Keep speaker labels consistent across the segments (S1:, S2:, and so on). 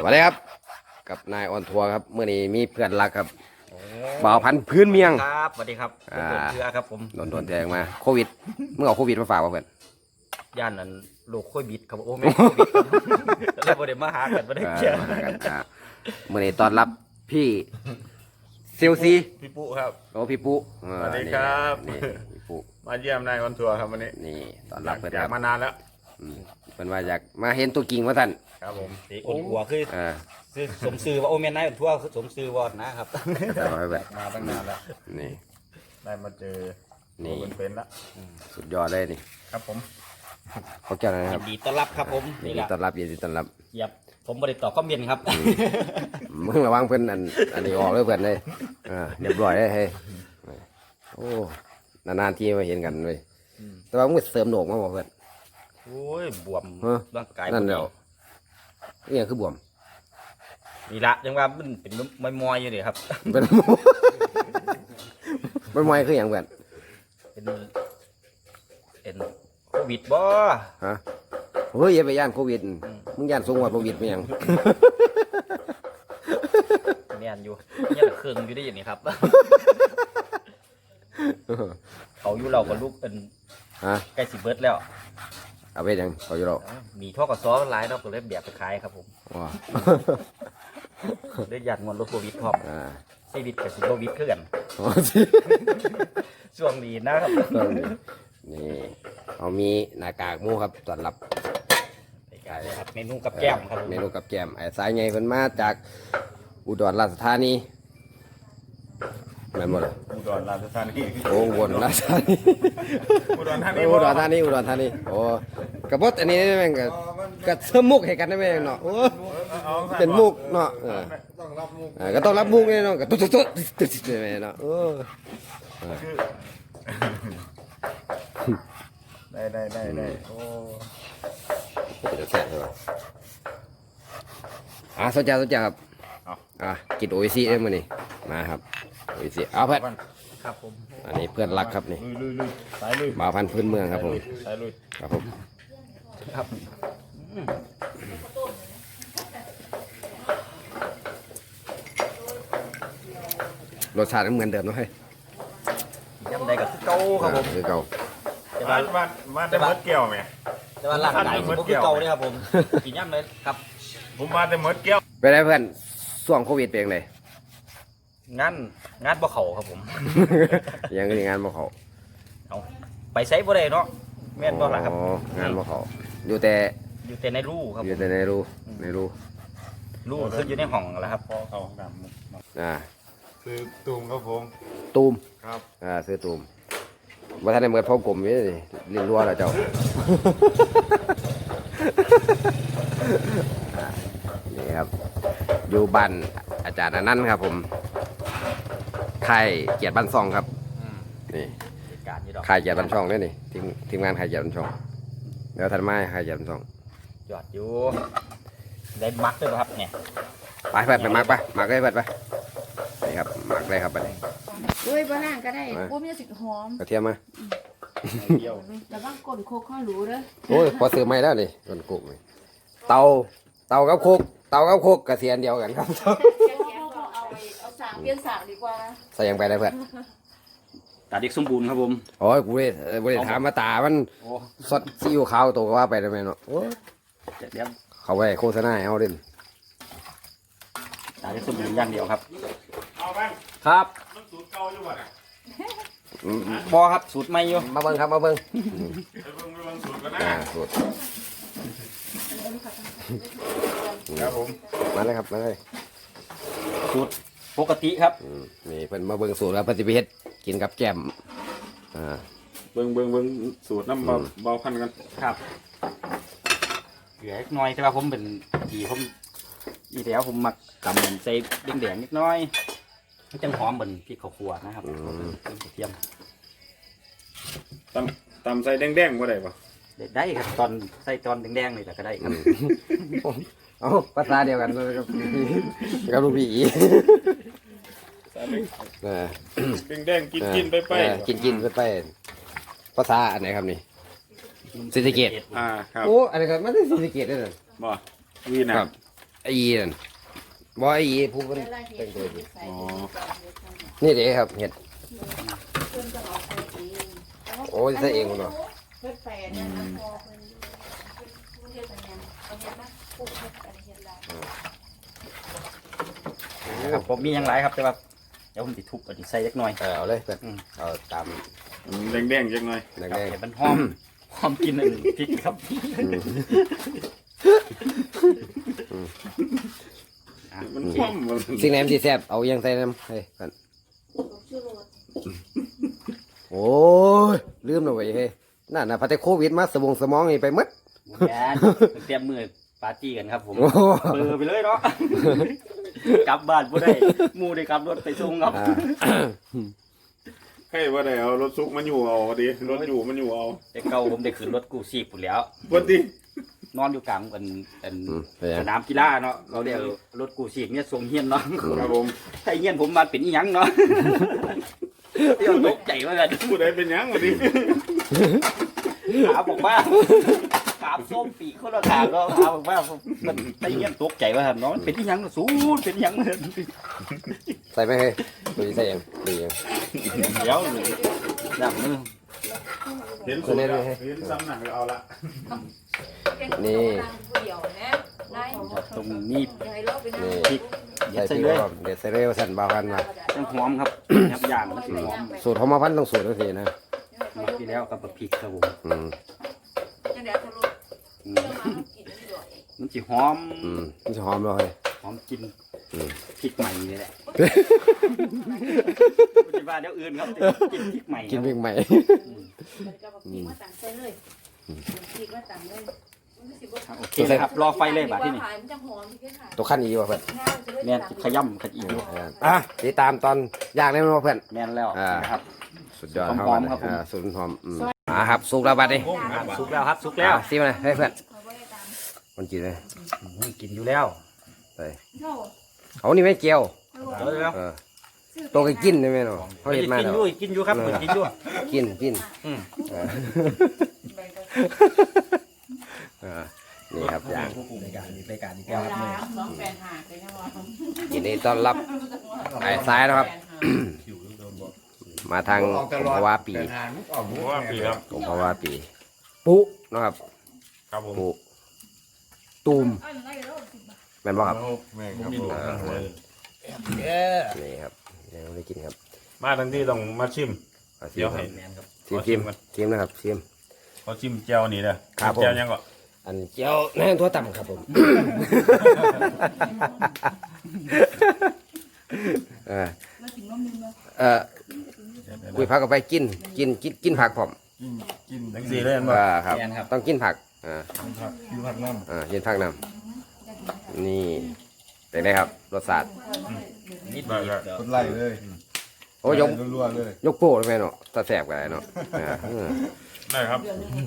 S1: วัสดีครับกับนายออนทัวร์ครับเมื่อนี้มีเพื่อนรักครับบ่าวพันธุ์พื้นเมียง
S2: ครับสวัสดีครับผมเชื่อครับผม
S1: โดนแทงมาโควิดเมื่อเอาโควิดมาฝากเพื่อน
S2: ย่านนั้นโรคโควิดครับโอ้แม่โควิดแล้วบ่ได้มาหากันบ่ได้เจอ
S1: เมื่อนี้ต้อนรับพี่เซลซี
S3: พี่ปุ๊ครับ
S1: โอ้พี่ปุ๊
S3: สวัสดีครับ
S1: นี่พี่ปุ๊
S3: มาเยี่ยมนายวันทัวร์ครับวันนี้
S1: นี่ต้อนรับเพื่อน
S3: อ
S1: ค
S3: ยา
S1: รั
S3: ก
S1: บ
S3: มานานแล้ว
S1: เป็นว่าอยากมาเห็นตัวจริงว่าท่าน
S3: ครับผม
S2: สีอ้วนหัวคือสมซื่อว่าโอ้แม่นายทั่วสมซื่อวอดนะครับ
S1: แบบ
S3: มาตั้งนานแล้ว
S1: นี่
S3: ได้มาเจอ
S1: นี่
S3: เป็นแล้ว
S1: สุดยอดเลยนี่
S3: ครับผม
S1: เขาเจ้าอะไรครับ
S2: ยินดีต้อนรับครับผม
S1: ยิน
S2: นี่
S1: ดี
S2: แหละ
S1: ต้อนรับยินดีต้อนรับ
S2: เหยียบผมบ่ได้ตอบคอมเมนต์ครับ
S1: มึงระวังเพื่อนอันนี้ออกเลยเพื่อนเลยเรียบร้อยเลยเฮ้ยโอ้นานๆทีมาเห็นกันเลยแต่ว่ามึงเสริมโหนกมาบอกเพื่อน
S2: โอ้ยบวมร่างกาย
S1: นั่นเดียวนี่คือบวม
S2: นี่ละจังว่ามันเป็นมอยๆอยู่นี่ครับ
S1: เป็นเป็นมวยคืออย่างเพื่อน
S2: เป็นโควิดบ่
S1: ฮะเฮ้ยอย่าไปย่านโควิดมึงย่านสูงกว่าโควิดไหมยัง
S2: แม่นอยู่เนี่ยเครื่องอยู่ได้อย่างนี้ครับเขาอยู่เรากับลูกเป็น
S1: ฮะ
S2: ใกล้สิเบิดแล้ว
S1: เอาไปยังเขาอยู่หรอก
S2: มีท่อกับซอหลายเนาะก็เลยแบบไปขายครับผม
S1: ว้า
S2: ได้ยัดงอนรถโควิดพร้อมชีวิตกับสิโควิดคือกัน
S1: อ๋อสิ
S2: ช่วงนี้นะครับ
S1: นี่เขามีหน้ากากหมูครับต้อนรับ
S2: ครับเมนูกับแก้มครับ
S1: เมนูกับแก้มไอ้สายไงเพิ่นมาจากอุดรราชธานีแม่นบ่ล่ะ
S3: อุดรราชธานี
S1: โอ้อุบลราชธานี
S3: อุดรธานี
S1: อุดรธานีอุดรธานีโอ้กระบดอันนี้แม่งก็เสริมมุกให้กันได้แม่งเนาะโอ้เป็นมุกเนาะ
S3: ต้องรับมุก
S1: ก็ต้องรับมุกนี่เนาะก็ตุ๊ดแม่เนาะโอ้
S3: ได้โอ้
S1: จะแซ่บใช่ป่ะสนใจครับกินโออิซิได้มั้ยนี่มาครับโออิซิเอาเพื่อน
S2: ครับผม
S1: อันนี้เพื่อนรักครับนี่
S3: ลุยสายลุย
S1: บ่าวพันธุ์พื้นเมืองครับผม
S3: สายลุย
S1: ครับผม
S2: ครับ
S1: รสชาติเหมือนเดิมเนาะเฮ้ย
S2: ยำใดกับเก่าครับผม
S1: คือเก่า
S3: มาได้เมิดแก้วไหม
S2: แต่ว่าร่างกายผมคือเก่าเลยครับผมกินยำเลยครับ
S3: ผมมาได้เมิดแก้ว
S1: ไปได้เพื่อนช่วงโควิดเป็นยังไง
S2: งานบ่เขาครับผม
S1: ยังงานบ่เขา
S2: เอาไปใช้บ่ได้เนาะแม่นบ่ล่ะครับ
S1: งานบ่เขาอยู่แต่
S2: อยู่แต่ในรูครับ
S1: อยู่แต่ในรู
S2: รูคืออยู่ในห้องแหละครับ
S3: พอเขาดำ
S1: อ่า
S3: คือตุ่มครับผม
S1: ตูม
S3: ครับ
S1: ซื้อตูมว่าท่านในเมืองพ่อกลมนี่เรียนรัวแล้วเจ้า นี่ครับอยู่บ้านอาจารย์อนันต์ครับผมค่ายเกียรติบ้านซองครับนี่
S2: เหตุการณ์นี้ดอก
S1: ค่ายเกียรติบ้านช่องเนี่ยนี่ทีมงานค่ายเกียรติบ้านช่องแล้วท่านไม้ค่ายเกียรติบ้านช่อง
S2: ยอดอยู่ได้มักด้วยป่ะครับเนี่ย
S1: ไปมักเลยไปนี่ครับมักเลยครับไป
S4: เฮ้ยบ้านก็ได้โอ้มีสิหอม
S1: กระเทียมมา
S3: เที่ยว
S4: แต่ว่ากลโคกข้าวหรูเด้อ
S1: โอ้ยพอซื้อไม่แล้วนี่ต้นกุกนี่เตากับโคกกระเทียมเดียวกันครับ
S4: เอาสางเปลี่ยนสางดีกว่านะ
S1: ใส่ยังไปได้เพื่อน
S2: ตาเด็กสมบูรณ์ครับผม
S1: โอ้ยกูได้ถามมาตามัน
S2: โอ้
S1: สดซีอิ๊วขาวตัวก็ว่าไปได้ไหมเนาะโอ้ย
S2: เดี๋ยว
S1: เขาไปโฆษณาให้เอาเด่น
S2: ตาเด็กสมบูรณ์อย่างเดียวครับ
S3: เอาบ้าง
S2: ครับ
S3: มันสูตรเก่าอยู่บ่เนี่ย
S2: พอครับสูตรใหม่อยู่
S1: มาเบิ้งครับมาเบิ้ง
S3: ไปเบิ่งสูตรกันนะ
S1: สูตร
S3: ครับผม
S1: มาเลยครับมาเลย
S2: สูตรปกติครับ
S1: นี่เพิ่นมาเบิ้งสูตรแล้วปฏิบัติกินกับแก้ม
S3: เบิ่งสูตรน้ำเบาพันกัน
S2: ครับเหลือเล็กน้อยแต่ว่าผมเป็นผีผมอีแล้วผมมักตำเหมือนใส่แดงๆนิดน้อยมันจังหอมเหมือนพริกข้าวคั่วนะครับเป็นกระเทียม
S3: ตำใส่แดงๆบ่ได้ปะ
S2: ได้ครับตอนใส่ตอนแดงๆเลยแต่ก็ได้ครับ
S1: เอาภาษาเดียวกันเลยกับลูกพี่อี
S3: ใส่เลย
S1: เออ
S3: แดงๆกินไป
S1: กินไปภาษาอันไหนครับนี่ศรีสะเกษ
S3: ครับ
S1: โอ้อันนี้ครับมันเป็นศรีสะเกษด้วยนะ
S3: บ่วีนะครับ
S1: ไออีนั่นบ่ไอ้อีผู้เพิ่นแต่งตัวดี
S3: อ๋อ
S1: นี่เด้ครับเห็ด
S4: เพิ่นจะเอาไปเอง
S1: โอ้ยใส่เองเนาะ
S4: เพิ่นแปลเนี่ยนะพอเพิ่นเฮ็ดอะไรเนี่ยเอาเฮ็ดมาปลูกเฮ็ดอะไรเฮ็ดลาย
S2: ครับผมมีอย่างไรครับแต่ว่าเดี๋ยวผมติทุบอันนี้ใส่เล็กน้อย
S1: เอาเลยเพื่อนเอาตาม
S3: แดงๆจังหน่อย
S1: แดง
S2: เดี๋ยวมันหอมหอมกินอันพริกครับ
S3: มันคว่ำมัน
S1: ๆสิ่งไหนมันสิแซ่บเอายังใส่น้ำเฮ้ยเพื่อน
S4: ปลูกชื่อโรด
S1: โอ้ยลืมแล้วเว้ยเฮ้ยนั่นน่ะพอแต่โควิดมาสมองนี่ไปหมด
S2: แกนเตรียมมือปาร์ตี้กันครับผม
S1: โอ้
S2: เบลอไปเลยเนาะกลับบ้านบ่ได้หมูได้ขับรถไปส่งครับ
S1: อ่า
S3: ใครว่าได้เอารถซุกมันอยู่เอาดิรถอยู่มันอยู่เอา
S2: แต่เก่าผมได้ขึ้นรถกู้ชีพพุ่นแล้ว
S3: วันดิ
S2: นอนอยู่กลางกัน
S1: เป็นไง
S2: สนามกีฬาเนาะเราเรียกรถกู้ชีพเนี่ยส่งเฮียนเนาะ
S3: ครับผม
S2: ถ้าเฮียนผมมาเป็นอีหยังเนาะเดี๋ยวตกใจว่ากัน
S3: ผู้ใดเป็นหยังวันดิ
S2: ขาบอกว่าขาส้มปีกคนละขาก็ขาบอกว่ามันไอ้เงี้ยตกใจว่าครับน้องมันเป็นที่ยังสูงเป็นที่ยังเลย
S1: ใส่ไหมเฮ้ยดูดิใส่ยังดูยัง
S2: เดี๋ยวดับมือ
S3: เห็นสุดแล้วเห็นซ้ำหนักก็เอาละ
S1: นี่
S4: เดี่ยวนะได้
S2: ตรงนี้
S4: อย่าให้เราไปนั่ง
S1: นี่
S2: พริกเด็ด
S1: ใส่
S2: ใส่
S1: พริก
S2: เลย
S1: พร้อมเด็ดใส่เร็วสั่นเบากันมา
S2: ต้องหอมครับยับย่างมันสิหอม
S1: สูตรหอมมาพันต้องสูตรทันทีนะ
S2: มาที่แล้วกับพริกครับผม
S1: อืม
S4: จังได๋ทะลุ
S2: อืม
S4: เรื่องมากินที่ด้วย
S2: มันสิหอม
S1: มันจะหอมเลย
S2: หอมกิน
S1: อืม
S2: พริกใหม่นี่แหละปฏิบัติเดี๋ยวอื่นครับกินพริกใหม่
S1: กินพริกใหม่
S4: มันก็บอกกินมาตั้งใส่เลยกินมาตั้งเลยมันสิบ่
S2: โอเคเลยครับรอไฟเลยบาดที่นี่
S4: ขายมันจะหอมที่ขาย
S1: ตัวขั้นอีว่ะเพื่อน
S2: แม่นขย่ำขยี้
S1: ติดตามตอนย่างได้ไหมเพื่อน
S2: แม่นแล้ว
S1: อ่า
S2: นะครับ
S1: สุดยอด
S2: หอมๆครับผม
S1: สูตรหอมครับสุกแล้วบัดนี้
S2: สุกแล้วครับสุกแล้ว
S1: ซิมเลยให้เพื่อนมันกินเลย
S2: กินอยู่แล้ว
S1: ไปเอานี่ไม่เจียว
S2: เดี๋ยว
S1: ตัวก็กินได้ไหมเนาะเขาเห็นมา
S2: กิน
S1: แล้ว
S2: อยู่กินอยู่ครับกินอยู่
S1: กิน
S2: อืม
S1: นี่ครับย่าง
S2: รายการอีกแก้ว
S4: เว
S2: ครับ
S4: ลา
S2: เนี่ย
S4: น้องแฟนหาเลยนะว่า
S1: ยินดีต้อนรับไอ้ซ้ายนะครับ มาทางผมภาวะปี
S3: ว่าปีครับ
S1: ผมภาวะปีปุ๊นะครับ
S3: ครับผม
S1: ปุ๊ตูมแม่นบ่ครับ
S3: แม่ครับผม
S1: นี่ครับยังไม่ได้กินครับ
S3: มาทั้งที่ต้องมาชิม
S1: เอาชิ
S3: เดี๋
S1: ม
S3: ยว
S1: ค
S3: ให้
S1: รับ
S2: แมนครับ
S1: ชิมนะครับชิม
S3: เขาชิมแจ่วนี่เด้อ
S1: ครับผม
S3: แจ่วยังก็
S1: อันเจียวแม่นทั่วต่ำครับผมเออคุยผักกับไปกินผักผม
S3: ทั้งสี่เลยอันบ่
S1: ครับ
S2: แมนครับ
S1: ต้องกินผักกินผักน้ำนี่เป็นไงครับรสชาติ
S2: นิดเดียว
S5: คนไล่เลย
S1: โอ้ยก
S5: รัวๆเลย
S1: ยกโป้เลยแม่เนาะตาแสบกันเลยเนาะ
S3: ได้ครับ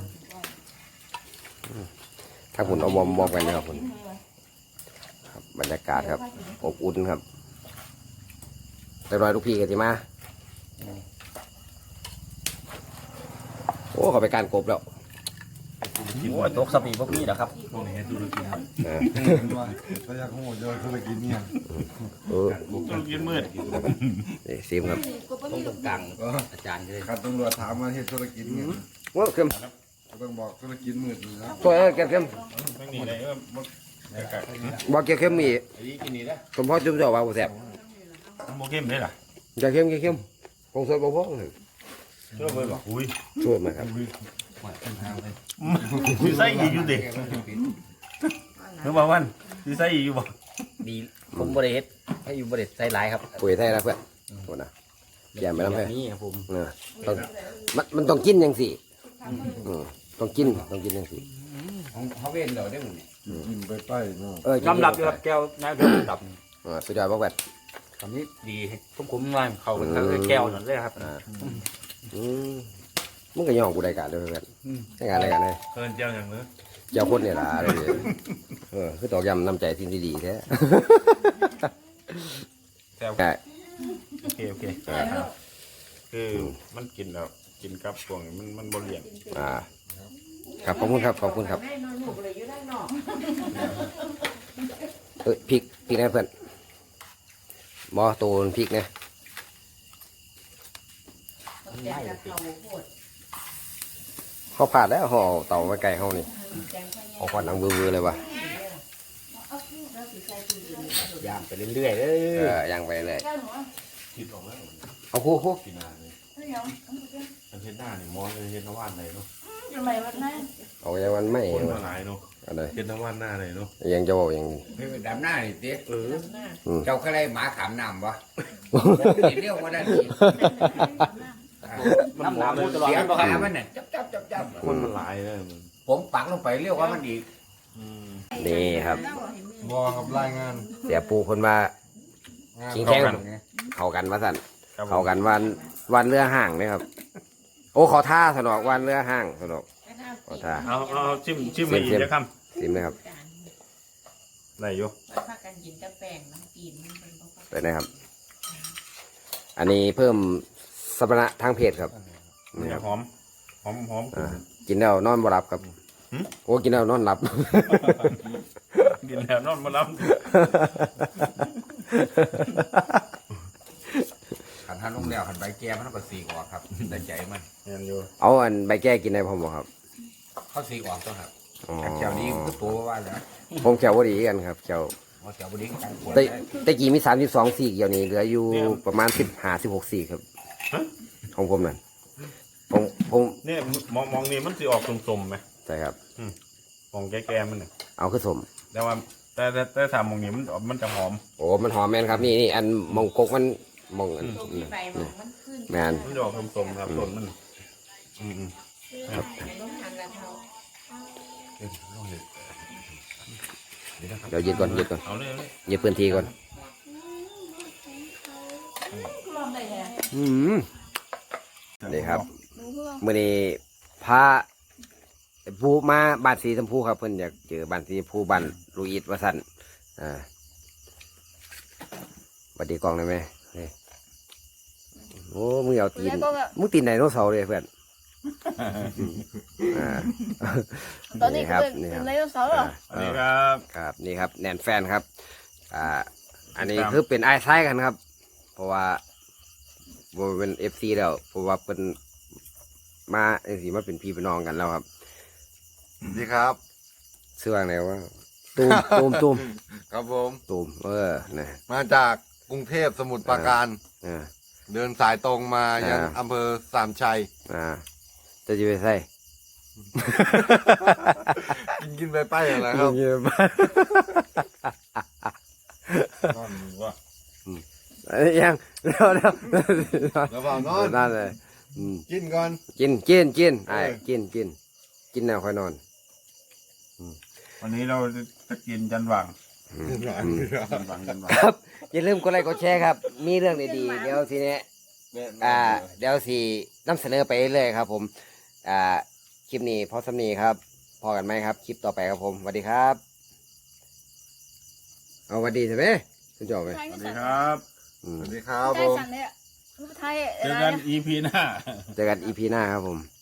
S1: ถ้าคุณเอามอมกันนะครับคุณครับบรรยากาศครับอบอุ่นครับเรียบร้อยลูกพี่กันสิมาโอ้เขาไปการกบแล้ว
S2: โอ้ยตกสปีพวกนี้นะครับ
S1: เออ
S5: ก็อยากหูเยอะธุรกิจเนี่ย
S1: เออ
S3: ต้องกินมืด
S1: นี่ซิมครับ
S2: ตรงกลางอาจารย์เลย
S5: ขัดตำรวจถามมาที่ธุรกิจเนี่ย
S1: ว้าวเข้ม
S5: ก็ต้องบอกธุรกิจมืดนี่นะ
S1: ตัวเก็บเข้ม
S3: ทั้งนี้เลย
S1: บอกเก็บเข้มมีผมพ่อจุ๊บจ่อว่าบ่แสบ
S3: โมเข้มได้ล่ะ
S1: จะเข้มคงสดบ่พอเลย
S3: ช่วยเบิ่งบ่อุ้ย
S1: ช่วยมาครับ
S3: มีไส้อีกอยู่ดิเมื่อวันมีไส้อีกอยู่บ่
S2: ดีผมบริเฮ็ดให้อยู่บริเฮ็ดใส่หลายครับ
S1: ปุ๋ยไทยนะเพื่อนโทษนะอย่าไปน้ำให้
S2: นี่ครับผม
S1: ต้องมันต้องกินยังสิต้องกินยังสิ
S2: เขาเว้นเดี๋ยวได้หมด
S5: กินไปป้ายเนาะ
S2: ยอมรับอยู่ครับแก้วนะเดี๋ยวดับ
S1: สุดยอดมากแบบ
S2: คำนี้ดีผมว่าเขาเป็นแก้วนั่นเลยครับ
S1: มึงก็ย่องกูได้การเลยเพื่อนได้การอะไรกันเลย
S3: เพิ่นเจ้าอย่างเนื้อ
S1: เจ้าคนเนี่ยล่ะอะไรเนี่ยคือตอกย้ำน้ำใจที่ดีแท้
S3: แซ่บ
S1: ใช่
S3: โอเคคือมันกินแล้วกินกับพวกนี้มันบ่เลี่ยน
S1: ครับขอบคุณครับ
S4: ได้นอนหนูเลยอยู่ได้นอก
S1: พริกนะเพื่อนบอตัวพริกนะเขาผ่านแล้วห่อเต่ามาไก่เขานี่เอาควันดังบือๆเลยวะ
S2: ย่างไปเรื่อยๆเด้อ
S1: ย่างไปเลย
S3: คิดออกแล้ว
S1: เอาคู่
S3: กินนานเลยมันเฮ็ดหน้านี่มอนเลยเฮ็ดน้ำว่านเลยเนาะ
S1: เอาอย่างมันไม่
S3: คนมาหลายเนาะ
S1: อะไร
S3: เฮ็ดน้ำว่านหน้าเลยเนาะ
S1: ยังจะบอกอย่าง
S6: ไม่เป็นดำหน้านี่ติ
S3: เออ
S6: เจ้าก็เลยหมาขามน้ำวะเรียกว่าได้ดี
S2: น้ำหนามูตลอด
S6: เสียง
S2: บ่ค
S6: ขา
S2: รับ
S6: มันเนี่ยจับ
S3: คนมันหลายเลยมัน
S6: ผมปักลงไปเรียกว่ามันอีก
S1: นี่ครับ
S5: บอกับรายงาน
S1: เสียปูคนว่า
S5: งาน
S1: ขิงแข้งเข้ากันว่าสั่นเข้ากันวันเรือห่างนะครับ โอ้ขอท่าสนอกวันเรือห่างสนอกขอท่า
S3: เอาชิมมาอีกจะค
S1: ซิมนะครับ
S3: ำไหนอยู่
S4: พากันกินกาแฟน้ำกินมันเป็นบ่
S1: ไปนะครับ อันนี้เพิ่มสมรรถทางเพศครับนี่
S3: เนี่
S1: ค
S3: ย
S1: รับ
S3: หอม
S1: กินแล้วนอนบ่หลับครับโอ้กินแล้วนอนหลับ
S3: กินแล้วนอนมาล้
S6: ขันท่านลงแล้วขันใบแก้มันก็สีออกครับแต่ใจมัน
S3: ำเห็นอยู่
S1: เอาอันใบแก้กินได้พอบ่ครับ
S6: เขาสีออกต้องครับ
S1: อ๋อ
S6: แต่แถวนี้ก็ตัวว่าแล้ว
S1: ผมแขวบ่ดีกันครับแขว
S6: ว่าแถวบริการปวด
S1: แต่กี่มี32สี่เกี่ยวนี้เหลืออยู่ประมาณ15-16สี่ครับของผมนั่นผม
S3: เนี่ยมองนี่มันสิออกสมๆไหม
S1: ใช่ครับ
S3: มองแก่ๆมันเนี่ย
S1: เอาคือสม
S3: แต่ว่าแต่ทำมองนี้มันจะหอม
S1: โอ้มันหอมแม่นครับนี่อันมองกกมันมองอัน
S4: ตัวที่ใบมันขึ้น
S1: แม่น
S3: มันจะออกสมๆครับต้นมันอืม
S4: ต้องทานแล้วเขา
S1: เดี๋ยวยึดก่อน
S3: เอาเลย
S1: ยึดพื้นที่ก่อน
S4: ลองได้แฮะ
S1: นี่ครับมื้อนี้พาผู้มาบ้านสีชมพูครับเพิ่นอยากเจอบ้านสีชมพูบ้านลูอิดว่าซั่นสวัสดีกล้องได้ไหมนี่โอ้มึงเอาตีนมึงตีนไดโนเสาร์เลยเพื่อน
S7: ตอนนี้
S1: ครับ
S7: เป็น
S1: นี่ครับ
S7: ไดโนเสาร์เหรอ
S3: อันนี้ครับ
S1: ครับนี่ครับแนนแฟนครับอันนี้คือเป็นไอ้ซ้ายกันครับ เพราะว่าบ่เป็นเอฟซีแล้วเพราะว่าเป็นมาไอ้สิมาเป็นพี่เป็นน้องกันแล้วครับ
S5: สวัสดีครับ
S1: เสื้อไหนวะตูม
S5: ครับผม
S1: นะ
S5: มาจากกรุงเทพสมุทรปราการ
S1: อ่า
S5: เดินสายตรงมายัง
S1: อ่า
S5: อำเภอสามชัย
S1: จะไปใส่
S5: กินไปไปอะไรครับ
S3: นอนมือว่า
S1: ยังเดี๋ยว
S5: แล้วเปล่านอน
S1: นั่นเลยอืม
S5: กินก่อน
S1: กินไอ้กินแล้วค่อยนอน
S3: วันนี้เราจะกินจันหวัง จันหวัง
S1: ครับอย่าลืมกดไลค์กดแชร์ครับ มีเรื่องดีๆเดี๋ยวทีนี้เดี๋ยวสินำเสนอไปเรื่อยครับ ผมคลิปนี้พอสำนีครับ พอกันไหมครับ คลิปต่อไปครับผมสวัสดีครับเอาสวัสดีใช่ไหมคุณจอบไป
S7: ไทย
S3: สวัส
S7: ไม่
S3: ดี
S7: สั่น
S3: ครับ
S5: สวัสดีครับ
S7: ไท
S5: ผ
S7: ย
S5: ม
S7: สั่นเลยอะไทย
S3: เจอ
S7: อะไร
S3: กัน
S7: อะ
S3: EP หน้า
S1: เจอกันอีพีหน้าครับผม